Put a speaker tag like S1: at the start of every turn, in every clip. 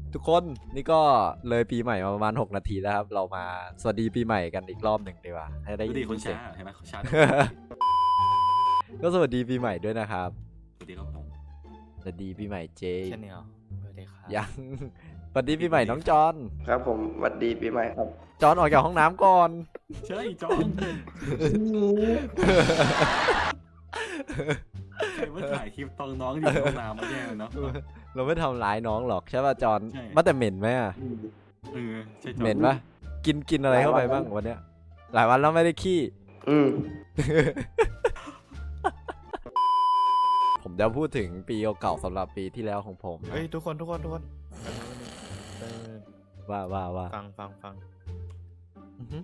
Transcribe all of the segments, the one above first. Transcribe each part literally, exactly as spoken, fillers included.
S1: ทุกคนนี่ก็เลยปีใหม่มาประมาณหกนาทีแล้วครับเรามาสวัสดีปีใหม่กันอีกรอบหนึ่งดีกว่าให้ได้
S2: ดูดิ
S1: ยิน
S2: คน
S1: เสีย
S2: ช้าง เห็นไหมคนช้า
S1: ก็สวัสดีปีใหม่ด้วยนะครับ
S2: สวัสดีครับผม
S1: สวัสดีปีใหม่เจ
S3: แค่นี้เหรอสวัสดีครับ
S1: ยังสวัสดีปีใหม่น้องจอน
S4: ครับผมสวัสดีปีใหม่ครับ
S1: จอนออกจากห้องน้ำก่อน
S2: ใช่จอน ใครว่าถ่ายคลิปตอนน้องอยู่ในห้องน้ำมาแย่เนาะ
S1: เราไม่ทำร้ายน้องหรอกใช่ป่ะจอน
S2: ใช่
S1: มาแต่เหม็นไหมอะ
S2: เออใช่จอน
S1: เหม็นปะกินกินอะไรเข้าไปบ้างวันเนี้ยหลายวันแล้วไม่ได้ขี้
S4: อืม
S1: ผมจะพูดถึงปีเก่าๆสำหรับปีที่แล้วของผมนะ
S3: เฮ้ยทุกคนทุกคนทุกคนเออ
S1: ว่าว่าว่า
S3: ฟังฟังฟัง
S1: อือฮึ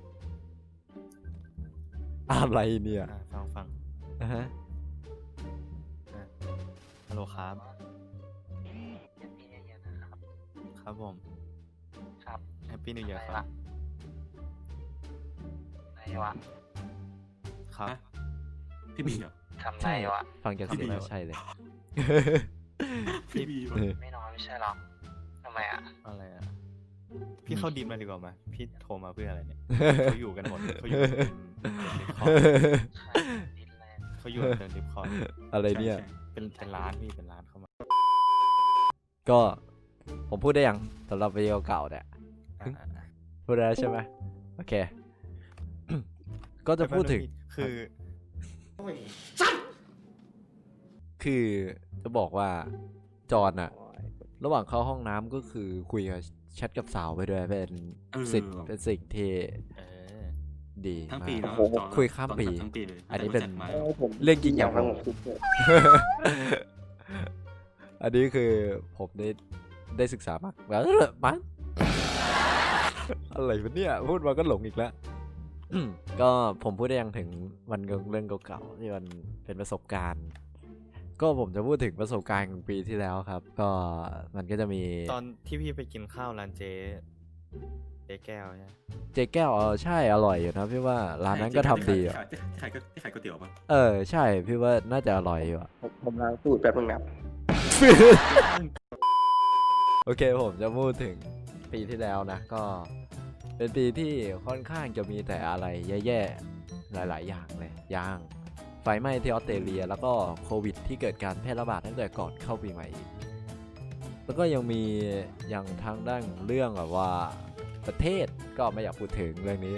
S1: อะไรเนี่ย
S3: อ่าฟังฟัง
S1: อ่าฮะ
S3: ฮัลโหลครับครับผม
S5: ครับ
S3: แฮปปี้นิวเยียร์ครับ
S5: ไหนวะ
S3: ครับ
S2: พี่บีเหรอ
S5: ทำไรวะ
S1: ฟังจากเสียง
S2: พี่บี
S1: แล้วใช่เลย
S2: พี่บีปะ
S5: ไม่นอนไม่ใช่หรอทำไมอ่ะ
S3: อะไรอ่ะพี่เข้าดีมมาดีกว่าไหมพี่โทรมาเพื่ออะไรเนี่ยเขาอยู่กันหมดเขาอยู่กันเป็นดิสคอร์ด
S5: ใช่ดินแลนด์
S3: เขาอยู่กันดิสคอร์ด
S1: อะไรเนี่ย
S2: ใช่
S3: เป็นเป็นร้านพี่เป็นร้านเข้ามา
S1: ก็ผมพูดได้ยังสำหรับวิดีโอเก่าเนี่ย
S3: อ่าอ่าอ่า
S1: พูดได้แล้วใช่ไหมโอเค ก็จะพูดถึง
S3: คือ
S1: คือจะบอกว่าจอนอะระหว่างเข้าห้องน้ำก็คือคุยกับแชทกับสาวไปด้วยเป็น
S2: เออ
S1: สิ่งเป็นสิ่งที่
S3: เออ
S1: ดี
S2: ทั้ง
S1: มา
S2: ปี
S1: ก
S2: เนาะจอน
S1: คุยข้ามปี
S2: ทั้งปีเลย
S1: อันนี้เป็น
S2: จัดมา
S1: เรื่องจริงอย่างผม
S4: ผมคิดเนี่ย
S1: อันนี้คือผมได้ได้ศึกษามากแบบมันอะไรวะเนี่ยพูดมาก็หลงอีกแล้ว ก็ผมพูดได้ยังถึงวันเรื่องเก่าๆที่มันเป็นประสบการณ์ ก็ผมจะพูดถึงประสบการณ์ของปีที่แล้วครับ ก็มันก็จะมี
S3: ตอนที่พี่ไปกินข้าวร้านเจ๊เจ๊แก้วใช่ไหม
S1: เจ๊แก้วเออใช่อร่อยอยู่นะพี่ว่าร้านนั้นก็ทำดีอ่ะ
S2: ขายขายขายก๋วยเตี๋ยวปะ
S1: เออใช่พี่ว่าน่าจะอร่อยอยู่อะ
S4: ผมผมล้างสูตรแป๊บนึงนะ
S1: โอเคผมจะพูดถึงปีที่แล้วนะ ก็เป็นปีที่ค่อนข้างจะมีแต่อะไรแย่ๆหลายๆอย่างเลยอย่างไฟไหม้ที่ออสเตรเลีย แล้วก็โควิดที่เกิดการแพร่ระบาดตั้งแต่ก่อนเข้าปีใหม่อีกแล้วก็ยังมีอย่างทางด้านเรื่องแบบว่าประเทศก็ไม่อยากพูดถึงเรื่องนี้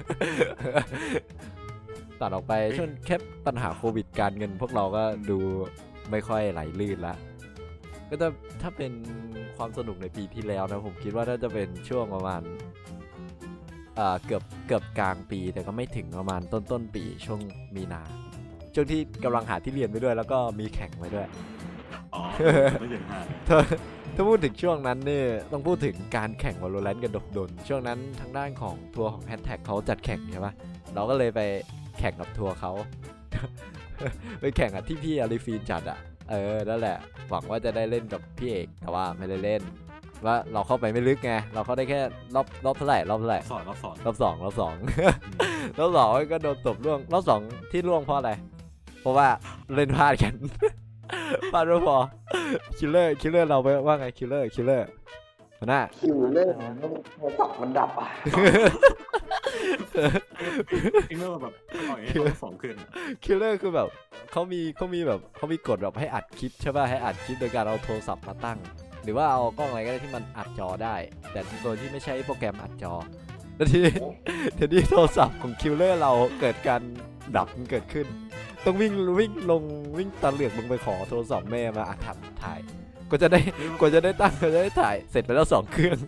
S1: ตัดออกไปช่วงแค่ปัญหาโควิดการเงินพวกเราก็ดูไม่ค่อยไหลลื่นละก็จะถ้าเป็นความสนุกในปีที่แล้วนะผมคิดว่าน่าจะเป็นช่วงประมาณอ่าเกือบเกือบกลางปีแต่ก็ไม่ถึงประมาณต้นต้นปีช่วงมีนาช่วงที่กำลังหาที่เรียนไปด้วย แล้วก็มีแข่งไปด้วย
S2: อ๋อไม่ถึงห้า
S1: ถ้าถ้าพูดถึงช่วงนั้นเนี่ยต้องพูดถึงการแข่ง Valorant กันดนๆช่วงนั้นทางด้านของทัวร์ของ Hashtag เขาจัดแข่งใช่ปะเราก็เลยไปแข่งกับทัวร์เขา ไปแข่งกับที่พี่อาริฟีนจัดอ่ะเออนั่นแหละหวังว่าจะได้เล่นกับพี่เอกแต่ว่าไม่ได้เล่นว่าเราเข้าไปไม่ลึกไงเราเข้าได้แค่รอบรอบเท่าไหร่รอบเท่าไหร่
S2: สอนรอบสอน
S1: รอบสองรอบสอง รอบสองก็โดนตบล่วงรอบสองที่ล่วงเพราะอะไรเพราะว่าเล่นพลาดกัน พลาดไม่พอคิลเลอร์คิลเลอร์เราไปว่าไงคิลเลอร์คิลเลอร์หัวหน้า
S4: คิวเล่นโทรศัพท์มันดับอ่ะ
S2: เอ็งเริ่มแบบปล่อยให้เขาสองขึ้นอะ
S1: คิลเลอร์คือแบบเขามีเขามีแบบเขามีกฎแบบให้อัดคลิปใช่ป่ะให้อัดคลิปโดยการเอาโทรศัพท์มาตั้ง หรือว่าเอากล้องอะไรก็ได้ที่มันอัดจอได้ แต่โดยที่ไม่ใช่โปรแกรมอัดจอแล้วทีนี้ทีนี้โทรศัพท์ของคิลเลอร์เราเกิดการดับมันเกิดขึ้น ต้องวิ่งวิ่งลงวิ่งตะเหลือกลงไปขอโทรศัพท์แม่มาอัดถ่ายถ่ายกว่าจะได้กว่าจะได้ตั้งกว่าจะได้ถ่ายเสร็จไปแล้วสองเครื่อง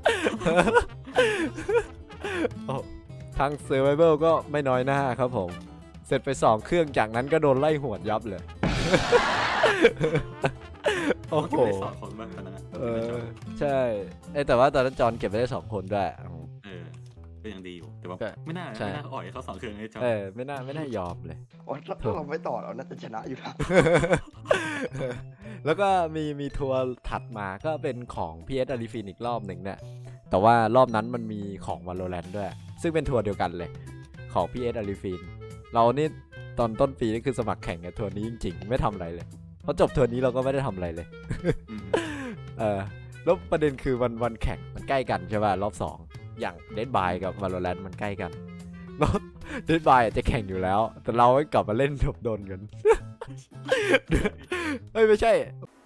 S1: โอ้ทางเซอร์ไวเบิลก็ไม่น้อยหน้าครับผม เสร็จไปสองเครื่องจากนั้นก็โดนไล่หวดยับเลย โอ้โห
S2: ไม่ได้สอนคนบ้างตอนนั้นอะ
S1: เออใช่เอ้ยแต่ว่าตอนนั้นจอนเก็บไปได้สองคนด้วย
S2: เออก็ยังดีอยู่แต่ว่า
S1: ก็
S2: ไม่น่า
S1: ใช่
S2: ไม่น่าอ่อยเขาสองเครื่องให้จอน
S1: เออไม่น่าไม่น่ายอมเลย
S4: โอ๊ยถ้าเราไม่ต่อเราน่าจะชนะอยู่นะ
S1: แล้วก็มีมีทัวร์ถัดมาก็เป็นของ พี เอส อาริฟินอีกรอบหนึ่งเนี่ยแต่ว่ารอบนั้นมันมีของ Valorant ด้วย ซึ่งเป็นทัวร์เดียวกันเลยของ พี เอส อาริฟินเรานี่ตอนต้นปีนี่คือสมัครแข่งกับทัวร์นี้จริงๆไม่ทำอะไรเลยเพราะจบทัวร์นี้เราก็ไม่ได้ทำอะไรเลย
S2: อืม
S1: เออแล้วประเด็นคือวันวันแข่งมันใกล้กันใช่ป่ะรอบสองอย่างเดดบายกับ Valorant มันใกล้กันแล้วเดดบายจะแข่งอยู่แล้ว แต่เราให้กลับมาเล่นดบดนกัน เฮ้ยไม่ใช่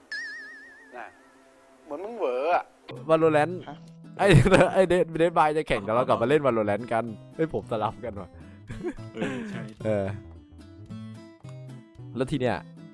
S6: เหมือนมึงเหวออะ
S1: Valorant
S4: ฮะ
S1: ไอ้ไอ้เดดเดดบายจะแข่งแต่เรากลับมาเล่น Valorant กันเฮ้ยผมสลับกันว่ะ
S2: เออใช่
S1: เออแล้วทีเนี้ย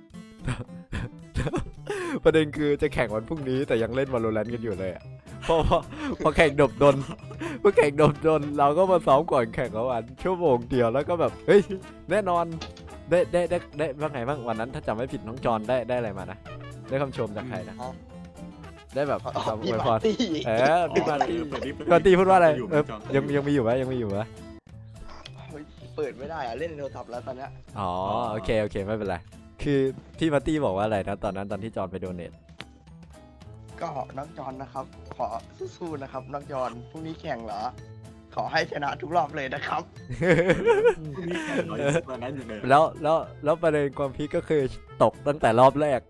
S1: ประเด็นคือจะแข่งวันพรุ่งนี้แต่ยังเล่น Valorant กันอยู่เลยอะเพราะว่าพอแข่งดบดนพอแข่งดบดนเราก็มาซ้อมก่อนแข่งแล้ววันชั่วโมงเดียวแล้วก็แบบเฮ้ยแน่นอนได้ได้ได้ได้ว่าไงบ้างวันนั้นถ้าจำไม่ผิดน้องจอนได้ได้อะไรมานะได้คำชมจากใครนะได้แบบ
S4: อ๋อ
S1: คำอ
S4: พี่
S1: วยพ
S4: มาร ร์ตี้
S1: เออพี่มาร์ตี้
S2: เปิดดิ
S1: พี่มาร์ตี้พูดว่าอะไร
S2: ยู่
S1: เออ
S2: จอ
S1: ยังยังมีอยู่ไหมยังมีอยู่ไหม
S4: เฮ้ยเปิดไม่ได้อะเล่นในโทรศัพท์แล้วตอนเนี้ย
S1: อ๋อโอเคโอเคไม่เป็นไรคือพี่มาร์ตี้บอกว่าอะไรนะตอนนั้นตอนที่จอนไปโดเนท
S4: ก็น้องจอนนะครับ ขอสู้ๆนะครับน้องจอนพรุ่งนี้แข่งเหรอ ขอให้ชนะทุกรอบเลยนะครับ
S2: นี่แค่ร้อยสิบวันนั้นอยู่เลย
S1: แล้วแล้วแล้วประเด็นความพีคก็คือตกตั้งแต่รอบแรก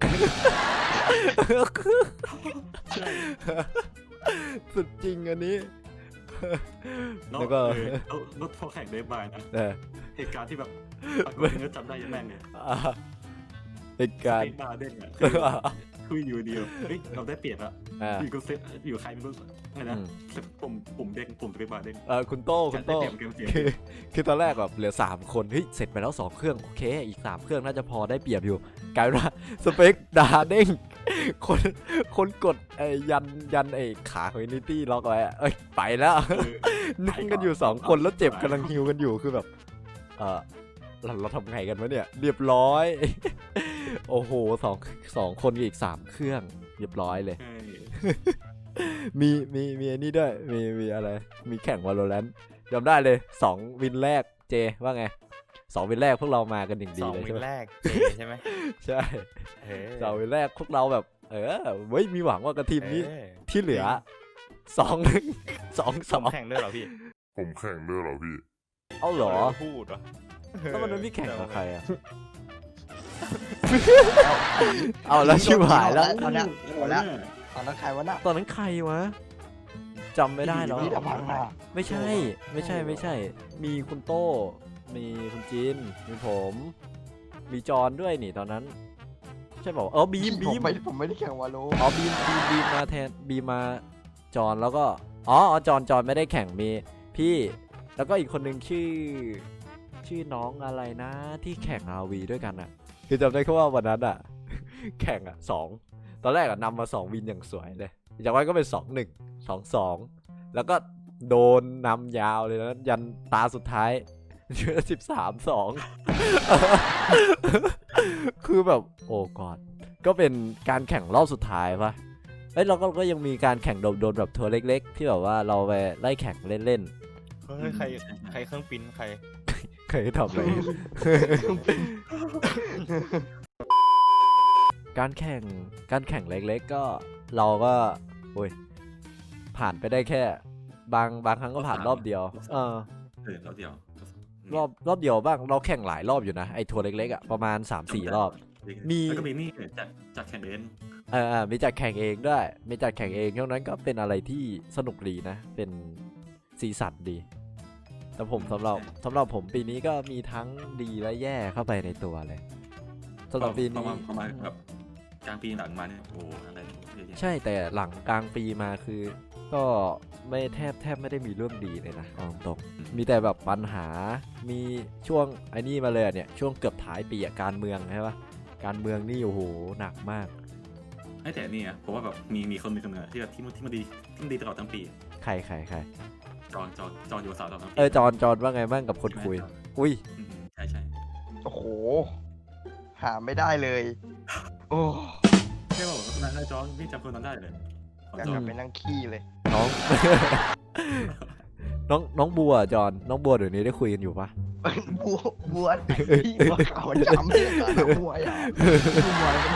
S2: ใช่
S1: สุดจริงอันนี้
S2: แล้ว
S1: แล้วก็
S2: เออแล้วแล้วพอแข่งได้บายนะ
S1: เออ
S2: เหตุการณ์ที่แบบปรากฏเนื้อจำได้ยังแม่งเลย
S1: อ่าเหตุการณ์
S2: เป็นบาร์เด้งอ่ะคือคืออยู่เดียวเฮ้ยเราได้เปรียบอะ
S1: อ่า
S2: อยู่ก็เซตอยู่ใครไม่รู้อะไรนะ
S1: อืม
S2: เซตปุ่มปุ่มเด้งปุ่มสเปซบาร์เด้ง
S1: เออคุณโต้คุณโต้
S2: ได้เปรียบเกมเสียง
S1: คือคือตอนแรกแบบเหลือสามคนเฮ้ยเสร็จไปแล้วสองเครื่องโอเคอีกสามเครื่องน่าจะพอได้เปรียบอยู่กลายเป็นว่าสเปคดาเด้งคนคนกดไอ้ยันยันไอ้ขาของอินิตี้ล็อกไว้อะเอ้ยไปแล้ว
S2: เออ
S1: นั่งกันอยู่สองคนแล้วเจ็บกำลังฮิวกันอยู่คือแบบเออเราเราทำไงกันวะเนี่ยเรียบร้อย โอ้โหสองสองคนกับอีกสามเครื่องเรียบร้อยเลย
S2: ใช่
S1: มีมีมีอันนี้ด้วยมีมีอะไรมีแข่ง Valorant จำได้เลยสองวินแรกเจว่าไงสองวินแรกพวกเรามากันอย่าง
S3: ส
S1: ดี
S3: อง
S1: เลย
S3: วิ
S1: ใช่
S3: น
S1: ไหม
S3: แรกเจใช่ไหม
S1: ใช่
S3: เออ
S1: สองวินแรกพวกเราแบบ เออเว้ยมีหวังว่ากับทีมนี้
S3: เออ
S1: ที่เหลือสองหนึ่งสองส
S3: ผ
S1: อ
S3: ม
S1: ง
S3: แข่งด้วยเหรอพี่
S6: ผมแข่งด้วยเหรอพี่
S1: เอาเหรอ
S3: พูดวะ
S1: แล้ววันนั้นพี่แข่งกับใครอ่ะ เอาแล้วชิบหายแล้ว
S4: ตอนเนี้ยหมดแล้วตอนนั้นใครวะน่ะ
S1: ตอนนั้นใครวะจำไม่ได้แล้ว
S4: พี่ดำพังอ่ะ
S1: ไม่ใช่ไม่ใช่ไม่ใช่ มีคุณโต้มีคุณจินมีผม มีจอนด้วยนี่ตอนนั้น ใช่เปล่าเออบีม
S4: ผ
S1: บี
S4: ม
S1: ม
S4: ไม่ผมไม่ได้แข่งวาโล
S1: อ๋อบีมบีมบีมมาแทนบีมมาจอนแล้วก็อ๋ออ๋อจอนจอนไม่ได้แข่งมีพี่แล้วก็อีกคนหนึ่งชื่อ ชื่อน้องอะไรนะ ที่แข่งอาวีด้วยกันอ่ะ คือจำได้แค่ว่าวันนั้นอ่ะ แข่งอ่ะสองตอนแรกอ่ะนำมาสองวินอย่างสวยเลยจากนั้นก็เป็นสองหนึ่งสองสองแล้วก็โดนนำยาวเลยนะยันตาสุดท้ายเชื่อสิบสามสอง คือแบบโอ้กอดก็เป็นการแข่งรอบสุดท้ายปะเอ้ยเราก็ก็ยังมีการแข่งโดนๆแบบทัวร์เล็กๆ ที่แบบว่าเราไปไล่แข่งเล่น
S3: เฮ้ยใครใครเครื่องปริ้นใคร
S1: ๆ เคยทำอะไร การแข่งการแข่งเล็กๆก็เราก็โอ้ยผ่านไปได้แค่ บางบางครั้งก็ผ่านรอบเดียวเออ
S2: เออแล้วเดียว
S1: รอบรอบเดียวบ้างเราแข่งหลายรอบอยู่นะไอ้ทัวร์เล็กๆอ่ะประมาณ สามสี่ รอบ มี
S2: แล้วก็มีนี่จากจากแข่งเบน
S1: เออเออมีจัดแข่งเองด้วยมีจัดแข่งเองช่วงนั้นก็เป็นอะไรที่สนุกดีนะ เป็นสีสันดี แต่ผมสำหรับสำหรับผมปีนี้ก็มีทั้งดีและแย่เข้าไปในตัวเลยสำหรับปี
S2: ประ
S1: นี้
S2: มาณประมาณแบบกลางปีหลังมาเนี่ยโอ้อะไรเยอะแยะ
S1: ใช่แต่หลังกลางปีมาคือ ก็ไม่แทบแทบไม่ได้มีเรื่องดีเลยนะเอาตรงๆมีแต่แบบปัญหามีช่วงไอ้นี่มาเลยอะเนี่ยช่วงเกือบท้ายปีอะการเมืองใช่ปะการเมืองนี่โอ้โหหนักมาก
S2: ไอ้แต่นี่อะผมว่าแบบมีมีคนหนึ่งคนหนึ่งอะที่แบบที่มันที่มันดีที่มันดีตลอดทั้งปี
S1: ใครใครใคร
S2: จอนจอนจอนอยู่สาวตลอดทั้งปี
S1: เออจอนจอนว่าไงบ้างกับคนคุย อุ้ย
S2: อืมใช่ใช่
S4: โอ้โห หาไม่ได้เลย โอ้
S2: ใช่ป่ะผมนายจอนพี่จำคนนั้นได้เลยของ
S4: อยาก
S2: จอก
S4: ลั
S2: น
S4: บไปนั่งขี้เลย
S1: น้อง น้องน้องบัวจอนน้องบัวเดี๋ยวนี้ได้คุยกันอยู่ปะ
S4: บัวบัวไหนพี่บัวขาวดำเนี่ยตาหวยอ่ะบัวมัน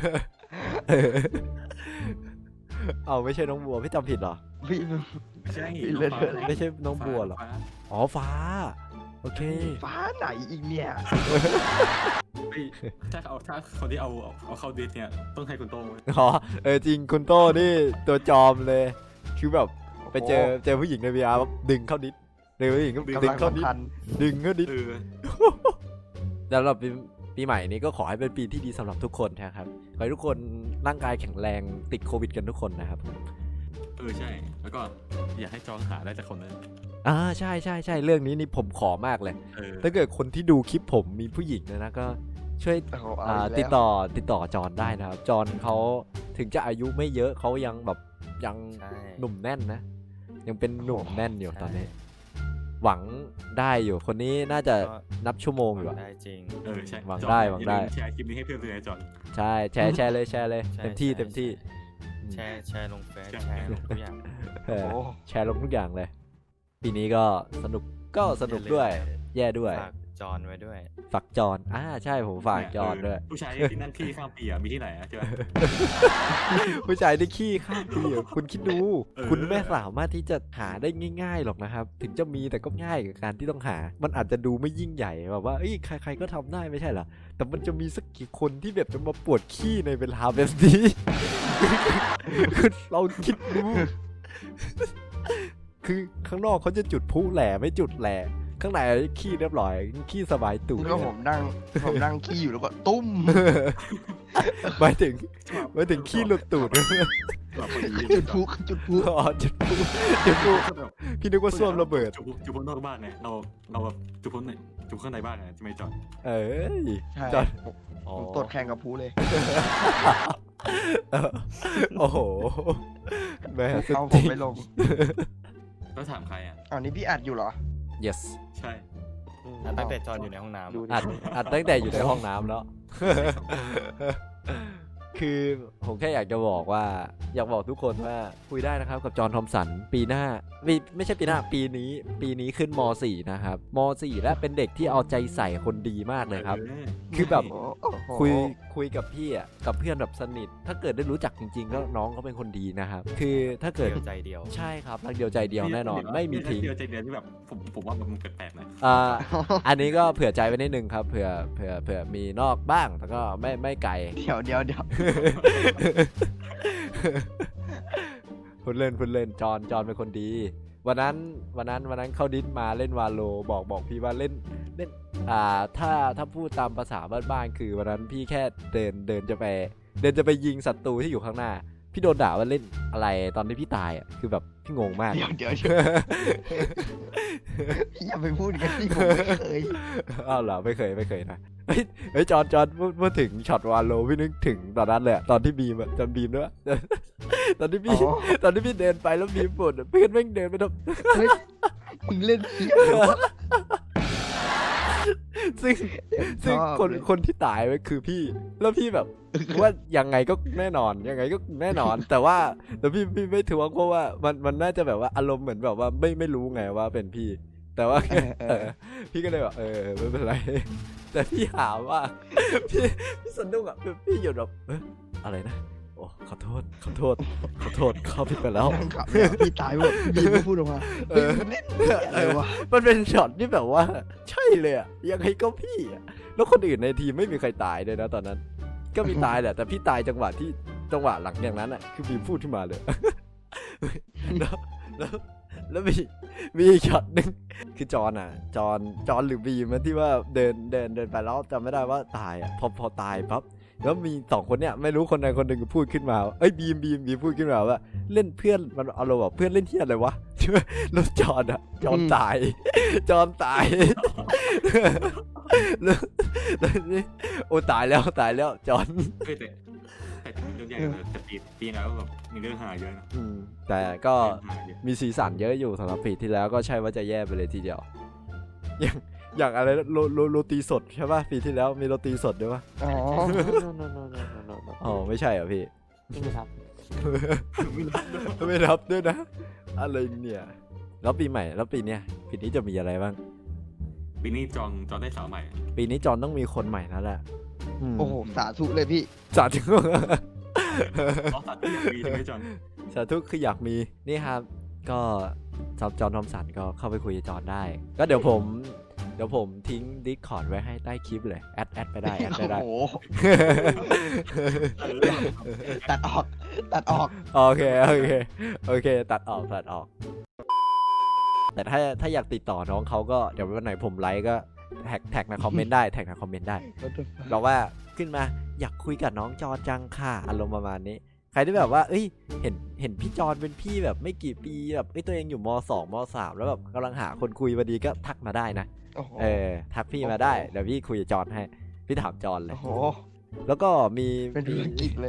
S1: เอาไม่ใช่น้องบัวพี่จำผิดเหรอ
S4: พี่
S2: ไม่ใช่
S4: พี่เล่น
S2: น้องฟ้า
S1: ไม่ใช่น้องบัวเหรอ
S2: ฟ้า
S1: อ๋อฟ้าโอเค
S4: ฟ้าไหนอีกเนี่ย
S2: เฮ้ยถ้าเอาถ้าคนที่เอาเอาเข้าดิสเนี่ยต้องให้คุณโต้งเว้ย
S1: อ๋อเออจริงคุณโต้นี่ตัวจอมเลยคือแบบไปเจอ
S4: โอ้
S1: เจอผู้หญิงใน วี อาร์ ดึงเข้าดิสเจอผู้หญิงก็ดึง
S4: กำลัง
S1: เข้าดิส
S4: สำคัญ
S1: ดึงเข้าดิส
S2: เออ
S1: แล้วเราปีปีใหม่นี้ก็ขอให้เป็นปีที่ดีสำหรับทุกคนนะครับขอให้ทุกคนร่างกายแข็งแรงติดโควิดกันทุกคนนะครับ
S2: เออใช่ แล้วก็อยากให้จองหาได้จากคนนั้น
S1: อ่าใช่ใช่ใช่เรื่องนี้นี่ผมขอมากเลย
S2: เออ
S1: ถ้าเกิดคนที่ดูคลิปผมมีผู้หญิงนะนะก็ช่วย
S4: โอ้โห
S1: อ่า
S4: เอาอีกแล้ว
S1: ติดต่อติดต่อจอนได้นะครับจอนเขาถึงจะอายุไม่เยอะเขายังแบบยัง
S3: ใช่
S1: หนุ่มแน่นนะ ยังเป็นหนุ่มแน่นอยู่
S3: ใช่
S1: ตอนนี้ หวังได้อยู่คนนี้น่าจะ
S3: ก็
S1: นับชั่วโมงอยู่อะ
S3: ได้จริง
S2: เออใช่
S1: หวัง
S2: จอน
S1: ได้หวังได้
S2: อย่าลืมแชร์คลิปนี้ให้เพื่อนเลยนะจอน
S1: ใช่แชร์แชร์เลยแชร์เลย
S3: ใช่
S1: เต็มที่
S3: ใช่
S1: เต็มที่
S3: แชร์แชร์ลงเฟซ
S2: ใช่
S3: แชร์ลงทุกอย่าง
S1: เออ
S4: โอ้
S1: แชร์ลงทุกอย่างเลย ปีนี้ก็สนุกก็สนุกด้วย แย่ด้วย
S3: ฝากจอนไว้ด้วย
S1: ฝากจอนอ่าใช่ผมฝากจอนด้วย
S2: เผู้ชายที่นั่นที่ข้ามปีอ่ะมีที่ไหนอ่ะใช่ไหม
S1: ผู้ชายได้ขี้ข้ามปีอะคุณคิดดู
S2: เออ
S1: คุณไม่สามารถที่จะหาได้ง่าย ๆหรอกนะครับ ถึงจะมีแต่ก็ง่ายกับการที่ต้องหา มันอาจจะดูไม่ยิ่งใหญ่แบบว่าเอ้ยใคร ๆก็ทำได้ไม่ใช่เหรอแต่มันจะมีสักกี่คนที่แบบจะมาปวดขี้ในเวลาแบบนี้ คือเราคิดดู คือข้างนอกเขาจะจุดพลุแหล่ไม่จุดแหล่ข้างในขี้เรียบร้อยขี้สบายตูด
S4: ก็ผมนั่งผมนั่งขี้อยู่แล้วก็ตุ้ม
S1: หมายถึงหมายถึงขี้หลุดตูด
S2: แบบพอดี
S4: จุดพลุจุดพลุ
S1: อ๋อจุดพลุจุดพลุ
S2: แบบ
S1: พี่นึกว่าส้วมระเบิด
S2: จุบจุบพ้นนอกบ้านไงเราเราแบบจุบพ้นในจุบข้างในบ้านไงจะไม่จอด
S1: เอ้ย
S4: ใช่
S1: จอด
S4: ผมตดแข่งกับพลุเลย
S1: เออโอ้โหแม่สุด
S4: เอาผ
S1: จ
S4: ม
S1: ริง
S4: ไปลง
S2: แล้วถามใครอ่ะ
S4: อ้าวนี่พี่อัดอยู่เหรอ
S1: yes
S2: ใช่
S3: อ่ะตั้งแต่จอนอยู่ในห้องน้ำ
S4: ดู
S3: อะ
S4: ดิ
S1: อัดอัดตั้งแต่อยู่ในห้องน้ำแล้ว คือผมแค่อยากจะบอกว่า อยากบอกทุกคนว่าคุยได้นะครับกับจอห์นทอมสันปีหน้าไม่ไม่ใช่ปีหน้าปีนี้ ปีนี้ขึ้นม .สี่ นะครับม .สี่ และเป็นเด็กที่เอาใจใส่คนดีมากเลยครับ
S2: ออ
S1: คือแบบ
S4: โอ้โห
S1: คุยคุยกับพี่อ่ะกับเพื่อนแบบสนิท ถ้าเกิดได้รู้จักจริงๆก็น้องเขาเป็นคนดีนะครับ คือถ้าเกิด
S3: เดียวใจเดียว
S1: ใช่ครับรักเดียวใจเดียวแน่นอนไม่มีทิ้ง
S2: เดียวใจเดียวที่แบบผมผมว่ามันแปลกๆนะ
S1: อ่าอันนี้ก็เผื่อใจไว้นิดนึงครับเผื่อเผื่อเผื่อมีนอกบ้างแต่ก็ไม่ไม่ไกล
S4: เดี๋ยวเดี๋ยวเดี๋ยว
S1: พูดเล่นพูดเล่นจอนจอนเป็นคนดี วันนั้นวันนั้นวันนั้นเข้าดิสมาเล่นวาโลบอกบอกพี่ว่าเล่นเล่นอ่าถ้าถ้าพูดตามภาษาบ้านๆคือวันนั้นพี่แค่เดินเดินจะไปเดินจะไปยิงศัตรูที่อยู่ข้างหน้า พี่โดนด่าว่าเล่นอะไรตอนที่พี่ตายอ่ะคือแบบพี่งงมาก
S4: เดี๋ยวเดี๋ยวเดี๋ยวพี่อย่าไปพูดกันที่ผมไม่เคย
S1: อ้าวเหรอไม่เคยไม่เคยนะเฮ้ยเฮ้ยจอนจอนพูดพูดถึงช็อตวาโลพี่นึกถึงตอนนั้นเลยอะตอนที่บีมอะจำบีมด้วย ตอนที่พี่
S4: อ๋อ
S1: ตอนที่พี่เดินไปแล้วบีมปวดอะเพื่อนแม่งเดินไปทำ
S4: เฮ้ยมึงเล่นเพี้ยนเหรอ
S1: ซึ่งซึ่ง
S4: ชอบ
S1: คน
S4: เลย
S1: คนที่ตายไปคือพี่ แล้วพี่แบบว่ายังไงก็แน่นอนยังไงก็แน่นอน แต่ว่าแต่พี่พี่ไม่ถือว่าเพราะว่ามันมันน่าจะแบบว่าอารมณ์เหมือนแบบว่าไม่ไม่รู้ไงว่าเป็นพี่ แต่ว่า
S4: เออเอ
S1: เอ
S4: อ
S1: อพี่ก็เลยแบบเออไม่เป็นไร แต่พี่หาว่า พี่พี่สนุกอ่ะพี่หยุดแบบเอ๊ะอะไรนะโอ้ขอโทษขอโทษขอโทษเข้าผิดไปแล้ว
S4: นั่งขับเนี่ยพี่ตายหมดพี่ก็พูดออกมา
S1: เอ
S4: เฮ้ย
S1: อ
S4: มึงเล่นเพี้ยอะไรวะ
S1: มันเป็นช็อตที่แบบว่า ใช่เลยอะยังไงก็พี่อะแล้วคนอื่นในทีมไม่มีใครตายเลยนะตอนนั้น ก็มีตายแหละแต่พี่ตายจังหวะที่จังหวะหลังอย่างนั้นอะคือบีมพูดขึ้นมาเลย แล้วแล้วแล้วมีมีอีกช็อตหนึ่งคือจอนอะจอนจอนหรือบีมอะที่ว่าเดินเดินเดินไปแล้วจำไม่ได้ว่าตายอะพอพอตายปั๊บแล้วมีสองคนเนี่ยไม่รู้คนใดคนหนึ่งพูดขึ้นมาว่าเอ้ยบีมบีมบีมพูดขึ้นมาว่า เล่นเพื่อนมันเอาเราแบบเพื่อนเล่นเที่ยอะไรวะ แล้วจอนอะจอนตาย จอนตาย แล้วแล้วนี่โอ้ตายแล้วตายแล้วจอน
S2: เฮ้ยแต่แต่เรื่องใหญ่เลยแต่ปีปีนี้ก็แบบมีเรื่องหาเยอะนะ
S1: อืมแต่ก็
S2: เรื่องหาเยอะ
S1: มีสีสันเยอะอยู่สำหรับปีที่แล้วก็ใช่ว่าจะแย่ไปเลยทีเดียว อย่างอย่างอะไรโรโรโรตีสดใช่ป่ะปีที่แล้วมีโรตีสดด้วยป่ะ
S4: อ๋อ
S1: อ๋อไม่ใช่เหรอพี่
S5: ไม่ครับ
S2: ไม่รับด้วย
S1: ไม่รับด้วยนะ อะไรเนี่ยแล้วปีใหม่แล้วปีเนี้ยปีนี้จะมีอะไรบ้าง
S2: ปีนี้จองจองได้สาวใหม่
S1: ปีนี้จอนต้องมีคนใหม่แล้วแหละม
S4: โอ้โหสาธุเลยพี่
S1: สาธุ
S2: อ๋อสัตว์ที่อยากมีใช่ไหมจอน
S1: สาธุคืออยากมีนี่ครับ ก็จอจอนทอมสันก็เข้าไปคุยกับจอนได้ ก็เดี๋ยวผมดี๋ยวผมทิ้ง Discord ไว้ให้ใต้คลิปเลยแอดแอดไปได้แอดไปได้
S4: โอ้โหตัดออกตัดออก
S1: โอเคโอเคโอเคตัดออกตัดออก แต่ถ้าถ้าอยากติดต่อน้องเขาก็เดี๋ยววันไหนผมไลฟ์ก็แท็กแท็กในคอมเมนต์ได้แท็กในคอมเมนต์ได้เราว่าขึ้นมาอยากคุยกับน้องจอนจังค่ะอารมณ์ประมาณนี้ใครที่แบบว่าเอ้ยเห็นเห็นพี่จอนเป็นพี่แบบไม่กี่ปีแบบเอ้ยตัวเองอยู่มสองมสามแล้วแบบกำลังหาคนคุยพอดีก็ทักมาได้นะ
S4: โอ้โห
S1: เออทักพี่มาได้เดี๋ยวพี่คุยกับจอนให้พี่ถามจอนเลย
S4: โอ้โห
S1: แล้วก็มี
S4: เป็นธุรกิจเลย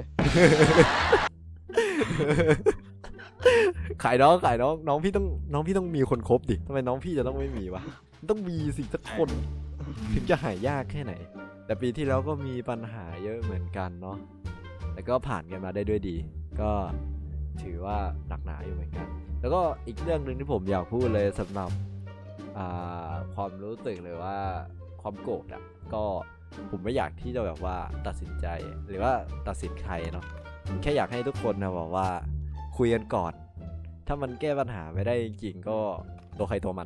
S1: ขายน้องขายน้องน้องพี่ต้องน้องพี่ต้องมีคนคบดิทำไมน้องพี่จะต้องไม่มีวะมันต้องมีสิสักคนถึงจะหายยากแค่ไหน แต่ปีที่แล้วก็มีปัญหาเยอะเหมือนกันเนาะแต่ก็ผ่านกันมาได้ด้วยดี ก็ถือว่าหนักหนาอยู่เหมือนกัน แล้วก็อีกเรื่องหนึ่งที่ผมอยากพูดเลยสำหรับความรู้สึกเลยว่าความโกรธอ่ะก็ผมไม่อยากที่จะแบบว่าตัดสินใจหรือว่าตัดสินใครเนาะผมแค่อยากให้ทุกคนนะบอกว่าคุยกันก่อน ถ้ามันแก้ปัญหาไม่ได้จริงๆก็ตัวใครตัวมัน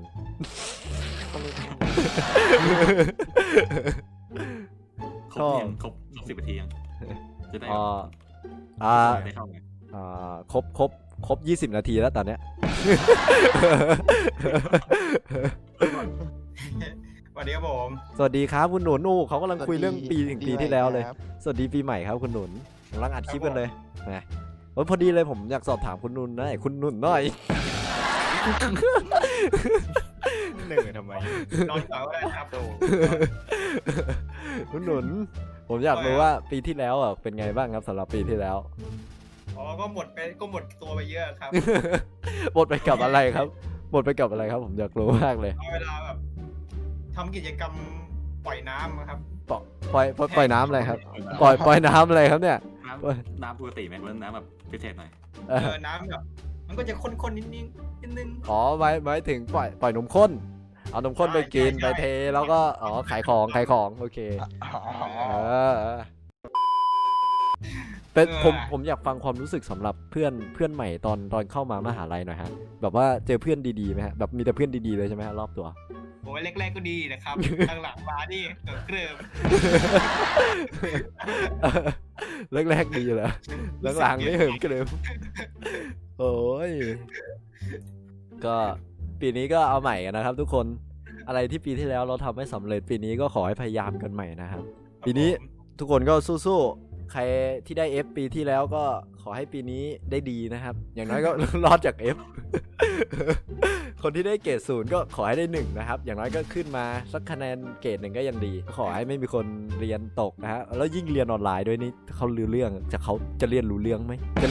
S2: ครบยังครบสิบนาทียังจะได้
S1: อ่าอ่า
S2: ได้เข้าไง
S1: อ่าครบครบครบยี่สิบนาทีแล้วตอนเนี้ย
S7: สวัสดีครับผม
S1: สวัสดีครับคุณหนุนโอ้เขากำลังคุยเรื่องปีถึงปีที่แล้วเลย
S4: ครับ
S1: สวัสดีปีใหม่ครับคุณหนุนกำลังอัดคลิปกันเลยนะโอ้ยพอดีเลยผมอยากสอบถามคุณหนุนหน่อยคุณหนุนหน่อย
S3: หนึ่งทำไม
S7: นอนต่อก็ได้ครับโต
S1: คุณหนุนผมอยากรู้ว่าปีที่แล้วอ่ะเป็นไงบ้างครับสำหรับปีที่แล้ว
S7: อ๋อก็หมดไปก็หมดตัวไปเยอะครับ
S1: หมดไปกับอะไรครับหมดไปกับอะไรครับ ผมอยากรู้มากเลย
S7: เอาเวลาแบบทำกิจกรรมปล่อยน้ำครับ
S1: ปล่อยปล่อยปล่อยน้ำอะไรครับ ปล่อยปล่อยน้ำอะไรครับเนี่ย
S2: น้ำน้ำปกติไหมหรือว่าน้ำแบบพิเศษหน่อย
S1: เอ
S7: เอ
S1: อ
S7: อน้ำแบบมันก็จะข้นๆนิดนึงนิดนึง
S1: อ๋อหมายหมายถึงปล่อยปล่อยนมข้น เอานมข้นไปกิน
S7: ใช่
S1: ไป
S7: ใช่
S1: เทแล้วก็อ๋อขายของขายของโอเค
S4: อ๋อ
S1: เออเออเป็นผมผมอยากฟังความรู้สึกสำหรับเพื่อนเพื่อนใหม่ตอนตอนเข้ามามหาลัยหน่อยฮะแบบว่าเจอเพื่อนดีๆไหมฮะแบบมีแต่เพื่อนดีๆเลยใช่ไหมฮะรอบตัว
S7: ผมว่าแรกๆก็ดีนะครับหลังๆมานี่เกิดเกริม
S1: แรกๆดีเหรอหลังๆไม่เหิมกระเดิมโอ้ยก็ปีนี้ก็เอาใหม่กันนะครับ ทุกคนอะไรที่ปีที่แล้วเราทำไม่สำเร็จปีนี้ก็ขอให้พยายามกันใหม่นะครับ ปีนี้ทุกคนก็สู้ๆใครที่ได้ F ปีที่แล้วก็ขอให้ปีนี้ได้ดีนะครับ อย่างน้อยก็ รอดจาก F คนที่ได้เกรดศูนย์ก็ขอให้ได้หนึ่งนะครับอย่างน้อยก็ขึ้นมาสักคะแนนเกรดหนึ่งก็ยังดีขอให้ไม่มีคนเรียนตกนะฮะแล้วยิ่งเรียนออนไลน์ด้วยนี่เขารู้เรื่องจะเขาจะเรียนรู้เรื่องไหมจะ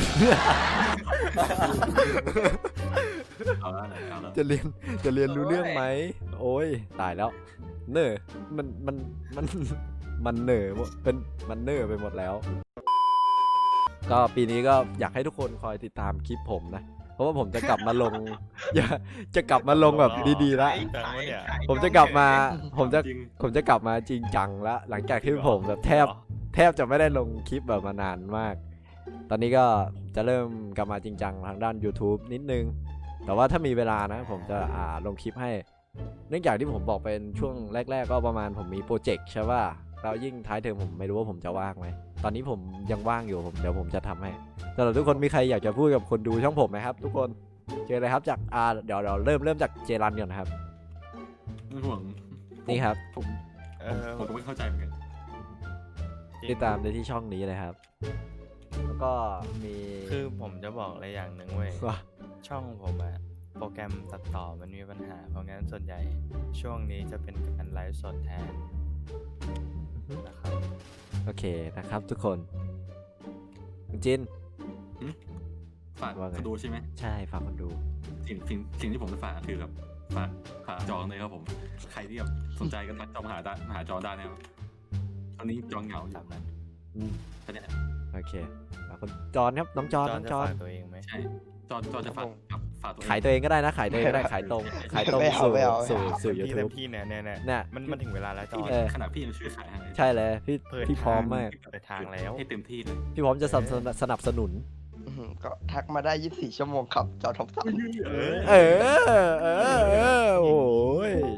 S2: เอาแล้วเอาแล้ว
S1: จะเรียนจะเรียนรู้เรื่องไหมโอ้ยตายแล้วเนอมันมันมันมันเนอเป็นมันเนอไปหมดแล้ว ก็ปีนี้ก็อยากให้ทุกคนคอยติดตามคลิปผมนะเพราะว่าผมจะกลับมาลง อย่าจะกลับมาลงแบบดีๆแล้ว
S3: แปลว่าเนี่ย
S1: ผมจะกลับมาผมจะ
S2: จริง
S1: ผมจะกลับมาจริงจังแล้วหลังจากที่ผมแบบแทบแทบจะไม่ได้ลงคลิปแบบมานานมาก ตอนนี้ก็จะเริ่มกลับมาจริงจังทางด้าน YouTube นิดนึงแต่ว่าถ้ามีเวลานะผมจะอ่าลงคลิปให้เนื่องจากที่ผมบอกเป็นช่วงแรกๆก็ประมาณผมมีโปรเจกต์ใช่ป่ะแล้วยิ่งท้ายเทอมผมไม่รู้ว่าผมจะว่างไหมตอนนี้ผมยังว่างอยู่ผมเดี๋ยวผมจะทำให้สำหรับทุกคนมีใครอยากจะพูดกับคนดูช่องผมไหมครับ ทุกคนเจอเลยครับจากอ่าเดี๋ยวเราเริ่มเริ่มจากเจรันก่อนนะครับ
S2: ไม่ห่วง
S1: นี่ครับ
S2: ผม
S3: เอ
S2: ผม
S3: อ
S2: ผมก็ไม่เข้าใจเหมือนกัน
S1: ติดตามได้ที่ช่องนี้เลยครับ แล้วก็มี
S3: คือผมจะบอกอะไรอย่างหนึ่งเว้ย
S1: ว่า
S3: ช่องผมอะโปรแกรมตัดต่อมันมีปัญหาเพราะงั้นส่วนใหญ่ช่วงนี้จะเป็นการไลฟ์สดแทนนะครับ
S1: โอเคนะครับทุกคนคุณจิน
S2: ฝาก
S1: ว่าไง
S2: คนดูใช่ไหม
S1: ใช่ฝากคนดู
S2: สิ่งสิ่งสิ่งที่ผมจะฝากคือแบบฝากฝากจองเลยครับผมใครที่แบบสนใจก็ทักจองมาหาได้มาหาจองได้นะครับตอนนี้จองเหงาอยู่
S3: ตามนั้น
S1: อืม
S2: ตอนเนี้ย
S1: โอเคฝากคนจอนครับน้องจอน
S3: จอ
S1: น้
S3: น
S1: อง
S3: จะ
S1: จอน
S3: ฝากตัวเองไหม
S2: ใช่จอนจอนจะฝากฝากฝากตัวเอง
S1: ขายตัวเองก็ได้นะขายตัวเองก็ได้ขายตรงขายตรง
S4: ไม่เอา
S1: สู่
S4: ไม่เอา
S1: สู่
S4: ไม่เอา
S1: สู่
S3: เต็ม
S1: ยู
S3: ที่
S1: ทู
S3: เต็
S1: บ
S3: มที่เนี่ยเนี่ยเนี่ย
S1: เนี่ย
S3: มันมันถึงเวลาแล้วจอ
S2: พี่
S3: น
S1: เออ
S2: ขนาดพี่ยังช่วยขายให้
S1: ใช่เลยพี่
S3: เปิด
S1: พี่พร้อมมาก
S3: เปิดทางแล้ว
S2: ให้เต็มที่เลย
S1: พี่พร้อมจะสนับสนุนสนับสนุน
S4: อื้อหือก็ทักมาได้ยี่สิบสี่ชั่วโมงครับจอทอมสัน
S3: เออ
S1: เออเออเออโอ้ย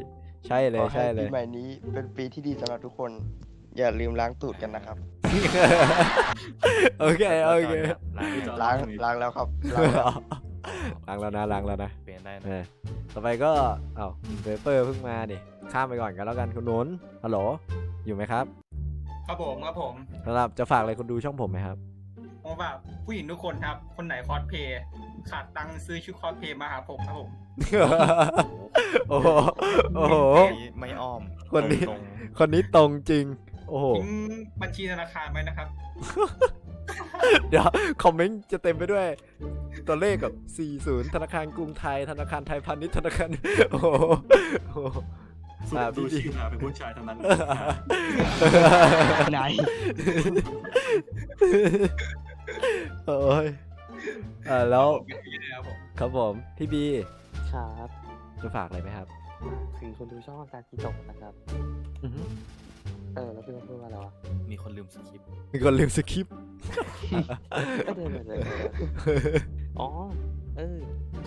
S1: ใช่เล
S4: ข
S1: ย
S4: อให้
S1: ใช่เล
S4: ปี
S1: ย
S4: ใหม่นี้เป็นปีที่ดีสำหรับทุกคน อย่าลืมล้างตูดกันนะครับ
S1: โอเคโอเค
S3: ล้าง
S4: ล้างล้างแล้วครับล้างแล้ว
S1: ล้างแล้วนะล้างแล้วนะ
S3: เปลี่ยนได้
S1: เอ
S3: นะ
S1: อต่อไปก็เอ้าเปเปอร์เพิ่งมาดิข้ามไปก่อนกันแล้วกันคุณนุนฮัลโหลอยู่ไหมครับ
S7: ครับผมครับผม
S1: สำหรับจะฝากอะไรคนดูช่องผมไหมครับ
S7: ผมแบบผู้หญิงทุกคนครับ คนไหนคอสเพลย์ขาดตังค์ซื้อชุดคอสเพลย์มาหาผมครับผม
S1: โอ้โหโอ้โห
S3: นี้ไม่อ้อม
S1: คนนี้
S3: ตรง
S1: คนนี้ตรงจริง โอ้โห
S7: ทิ้งบัญชีธนาคารไว้นะครับ
S1: เดี๋ยวคอมเมนต์จะเต็มไปด้วย ตัวเลขกับ สี่สิบ ธนาคารกรุงไทย ธนาคารไทยพาณิชย์ธนาคาร โอ้โหโอ้โห
S2: สุด
S1: อ่า
S2: ดู
S1: พี่
S2: ชื่อมาเป็นผู้ชายทั้งนั้น
S4: ไหน
S1: โอ้ยอ่าแล้ว
S7: ครับผม
S1: ครับผมพี่บี
S8: ครับ
S1: จะฝากอะไรไหมครับ
S8: ถึงคนดูช่องอาการจิตกนะครับ
S1: อือฮึ
S8: เออ แล้วพี่มาพูดว่าอะไรวะ
S3: มีคนลืมสคริปต์
S1: มีคนลืมสคริปต์
S8: เออเดี๋ยวเดี๋ยวเดี๋ยวเดี๋ยวอ๋อ เออ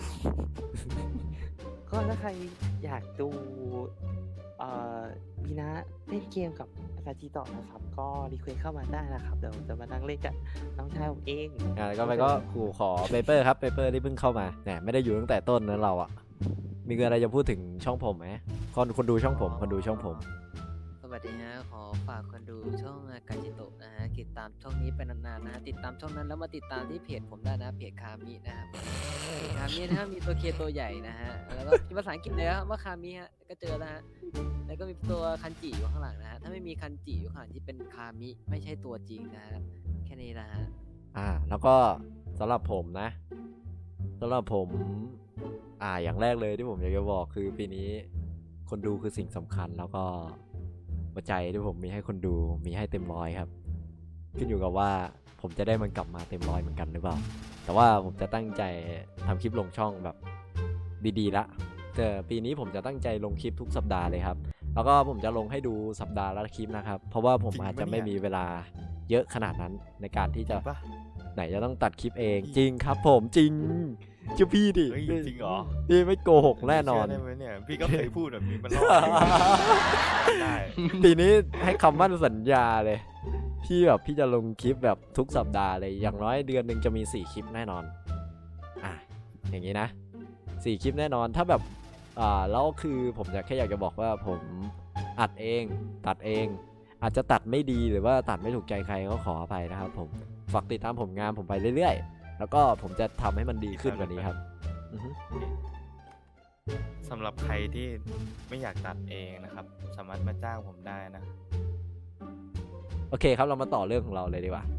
S8: ก็ถ้าใครอยากดู เอ่อมีนะเล่นเกมกับอาการจิตกนะครับ ก็รีเควสเข้ามาได้นะครับ เดี๋ยวจะมานั่งเล่นกับน้องชายผมเอง
S1: อ่าแล้วก็ไปก็ขู่ขอเปเปอร์ครับเปเปอร์ที่เพิ่งเข้ามาเนี่ยไม่ได้อยู่ตั้งแต่ต้นนะเราอ่ะ มีอะไรจะพูดถึงช่องผมไหมคนคนดูช่องผมคนดูช่องผม
S9: สวัสดีฮะขอฝากคนดูช่องอากาจิโตะนะฮะติดตามช่องนี้ไปนานๆนะฮะติดตามช่องนั้นแล้วมาติดตามที่เพจผมได้นะเพจคามินะครับเพจคามินะฮะมีตัวเคตัวใหญ่นะฮะแล้วก็มีภาษาอังกฤษเลยฮะว่าคามิฮะก็เจอแล้วฮะแล้วก็มีตัวคันจิอยู่ข้างหลังนะฮะถ้าไม่มีคันจิอยู่ข้างหลังที่เป็นคามิไม่ใช่ตัวจริงนะฮะแค่นี้นะฮะ
S1: อ่าแล้วก็สำหรับผมนะสำหรับผมอ่าอย่างแรกเลยที่ผมอยากจะบอกคือปีนี้คนดูคือสิ่งสำคัญแล้วก็หัวใจที่ผมมีให้คนดูมีให้เต็มร้อยครับขึ้นอยู่กับว่าผมจะได้มันกลับมาเต็มร้อยเหมือนกันหรือเปล่าแต่ว่าผมจะตั้งใจทำคลิปลงช่องแบบดีๆละแต่ปีนี้ผมจะตั้งใจลงคลิปทุกสัปดาห์เลยครับแล้วก็ผมจะลงให้ดูสัปดาห์ละคลิปนะครับเพราะว่าผมอาจจะไม่มีเวลาเยอะขนาดนั้นในการที่
S3: จ
S1: จะ
S3: ริงปะ
S1: ไหนจะต้องตัดคลิปเองจริงครับผมจริงเชื่อพี่ดิ
S3: เฮ้ยจริงเหรอ
S1: พี่ไม่โกหกแน่นอน
S3: เชื่ได้ไหมเนี่ย พี่ก็เคยพูดแบบนี้มันรอดได้
S1: ปีนี้ให้คำมั่นสัญญาเลยพี่แบบพี่จะลงคลิปแบบทุกสัปดาห์เลยอย่างน้อยเดือนหนึ่งจะมีสี่คลิปแน่นอนอ่ะอย่างนี้นะสี่คลิปแน่นอนถ้าแบบอ่าแล้วคือผมจะแค่อยากจะบอกว่าผมอัดเองตัดเอง อาจจะตัดไม่ดีหรือว่าตัดไม่ถูกใจใครก็ขออภัยนะครับผมฝากติดตามผลงานผมไปเรื่อยๆแล้วก็ผมจะทำให้มันดีขึ้นกว่านี้ครับอือฮึ
S3: สำหรับใครที่ไม่อยากตัดเองนะครับ สามารถมาจ้างผมได้นะ
S1: โอเคครับเรามาต่อเรื่องของเราเลยดีกว่า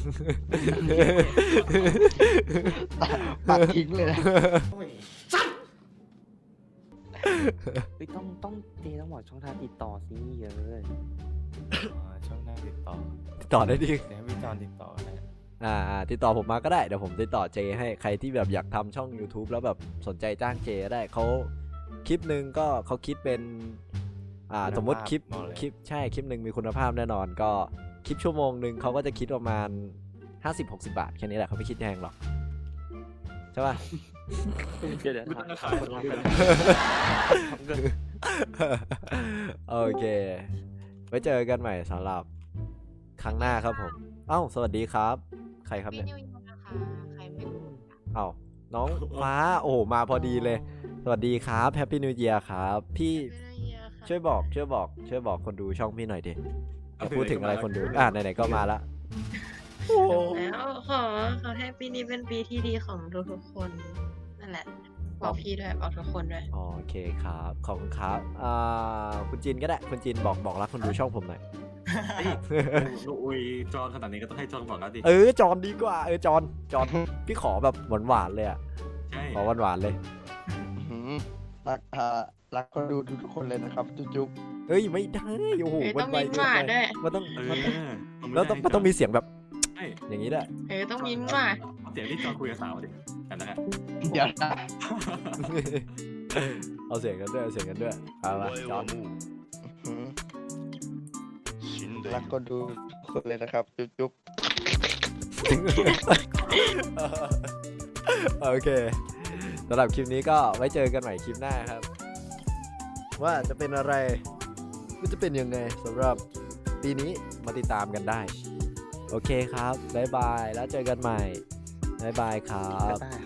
S4: ตัดทิ้งเลยนะ
S8: เฮ้ยต้องต้องเจต้องบอกช่องทางติดต่อสิเยอะ
S3: อ๋อ ช่องหน้าติดต่อ
S1: ติดต่อได้ดี
S3: เดี๋ยวให้พี่จอนติดต่อนะ
S1: อ่าอ่าติดต่อผมมาก็ได้เดี๋ยวผมติดต่อเจให้ใครที่แบบอยากทำช่อง YouTube แล้วแบบสนใจจ้างเจก็ได้เขาคลิปหนึ่งก็เขาคิดเป็นอ่าสมมติคลิปคลิปใช่คลิปหนึ่งมีคุณภาพแน่นอนก็คลิปชั่วโมงหนึ่งเขาก็จะคิดประมาณ ห้าสิบหกสิบบาทแค่นี้แหละเขาไม่คิดแพงหรอกใช่ป่ะ
S8: เดี๋ยวเดี๋ยว
S2: ไม่
S8: ถา
S2: ต้อ
S8: ม
S2: งขาย
S8: คน
S2: เล
S8: ทำ
S2: ย
S8: กัน
S2: นะ
S8: ทำกัน
S1: โอเคไว้เจอกันใหม่สำหรับครั้งหน้าครับผมเอ้าสวัสดีครับ ใครครับเนี่ย
S10: นิวยูนะคะ ใครไม่รู้
S1: เอ้าน้องฟ้าโอ้โหมาพอดีเลย สวัสดีครับแฮปปี้นิวเยียร์ครับพี่ช่วยบอกช่วยบอกช่วยบอกคนดูช่องพี่หน่อยดิจะพูดถึงอะไรคนดูอ่ะไหนๆก็มาละ
S10: แล้วขอขอให้ปีนี้เป็นปีที่ดีของทุกๆคนนั่นแหละบอกพี่ด้วยบอกทุกคนด้วย
S1: โอเคครับขอบคุณครับอ่าคุณจินก็ได้คุณจินบอกบอกรักคนดูช่องผมหน่อย
S2: ลูกอุยจอนขนาดนี้ก็ต้องให้จอนบอกแล้วดิ
S1: เออจอนดีกว่าเออจอนจอนพี่ขอแบบหวานๆเลยอ่ะ
S2: ใช่
S1: ขอหวานๆเลย
S4: หืมรักอ่ารักคนดูทุกๆคนเลยนะครับ จุ๊บ
S1: เอ้ยไม่ได้โอ้โห
S10: เออ
S1: มั
S10: ต้อน ง
S1: ไว
S10: ยิ้ม
S1: เกิ
S10: ห
S1: น
S10: วาน
S1: ไป
S10: ด้วย
S1: มันต้อง
S2: เออ
S1: มันต้อง
S2: ต้อง
S1: แล้วต้องมันต้องมีเสียงแบบ
S2: ใช่
S1: อย่างนี้ด้วย
S10: เออต้องยิ้มหวาน
S2: เอาเสียงที่จอนคุยกับสาวดิกันนะฮะ
S4: ๆเดี๋ยวนะ
S1: เอาเสียงกันด้วยเอาเสียงกันด้วยเอาละจอน
S4: หืมรักคนดูทุกคนเลยนะครับ จุ๊บๆ
S1: โอเคสำหรับคลิปนี้ก็ไว้เจอกันใหม่คลิปหน้าครับว่าจะเป็นอะไรก็จะเป็นยังไงสำหรับปีนี้มาติดตามกันได้ โอเคครับบ๊ายบายแล้วเจอกันใหม่บ๊ายบายครับ
S8: บ๊ายบาย